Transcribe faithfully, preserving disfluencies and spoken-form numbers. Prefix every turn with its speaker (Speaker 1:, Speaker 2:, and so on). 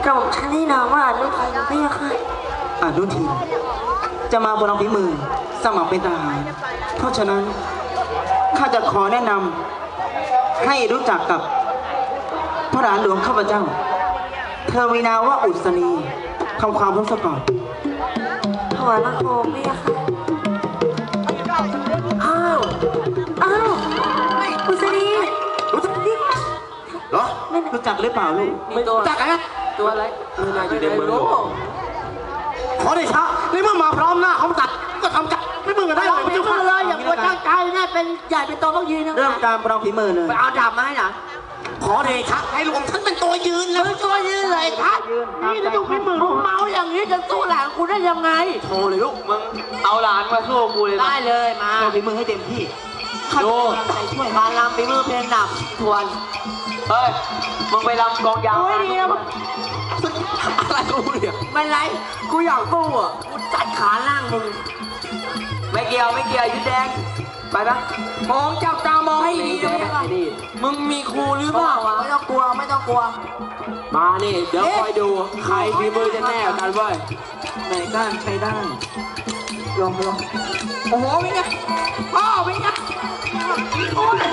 Speaker 1: ระผมฉันให้นามว่าอนุทินพะยะค่ะ
Speaker 2: อนุทินจะมาบนฝีมือสมัครเป็นทหารเพราะฉะนั้นข้าจะขอแนะนำให้รู้จักกับพระหลานหลวงข้าพเจ้าเธอมีนามว่าอุศนีทำความรู้สึกก่อน
Speaker 1: ถวายพระโคมพะยะค่ะอ้าวอ้าวอุศนี
Speaker 2: รู้จักดิเหรอรู้จักหรือเปล่าลูก
Speaker 3: ไม่รู้จักอะไรตัวอะไรไม่น่าอยู่ในเมือง
Speaker 2: ขอได้ช้าในเมื่อมาพร้อมหน้าเขาตัดก็ทำจัดไม่มึงกันได้เลย
Speaker 3: ไม่ต้องเลยอย่าปวดตั้งใจนะเป็นใหญ่เป็นโตต้องยืนนะ
Speaker 2: เริ่มการประลองฝีมือเลย
Speaker 3: ไปเอาดาบมาให้หน่ะ
Speaker 2: ขอเดชะให้รวมทั้งเป็นตัวยืนแล้ว
Speaker 3: ตัวยืนเลยครับนี่จะต้องเป็นมือเมาอย่างนี้จะสู้หลานกูได้ยังไง
Speaker 2: โชว์เลยลูกมึง
Speaker 3: เอาหลานมาสู้กูเลยได้เลยมา
Speaker 2: โชว์ฝีมือให้เต็มที่
Speaker 3: ดูช่วยมาลำฝีมือเพลงหนักทวนเฮ้ยมึงไปลำกองยาวอะไรกูเนี่ยไม่ไรกูอยากสู้อ่ะกูจัดขาล่างมึงไม่เกี่ยวไม่เกี่ยวยุดแดงไปปะมองจับตามองให้ดีนะมึงมีครูหรือเปล่าวะไม่ต้องกลัวไม่ต้องกลัวมานี่เดี๋ยวคอยดูใครฝีมือจะแน่กันเว้ย
Speaker 2: ไหนก้านใช้ได้ลองลอง
Speaker 3: โอ้โหเป็นไงพ่อเป็นไงโอ้ย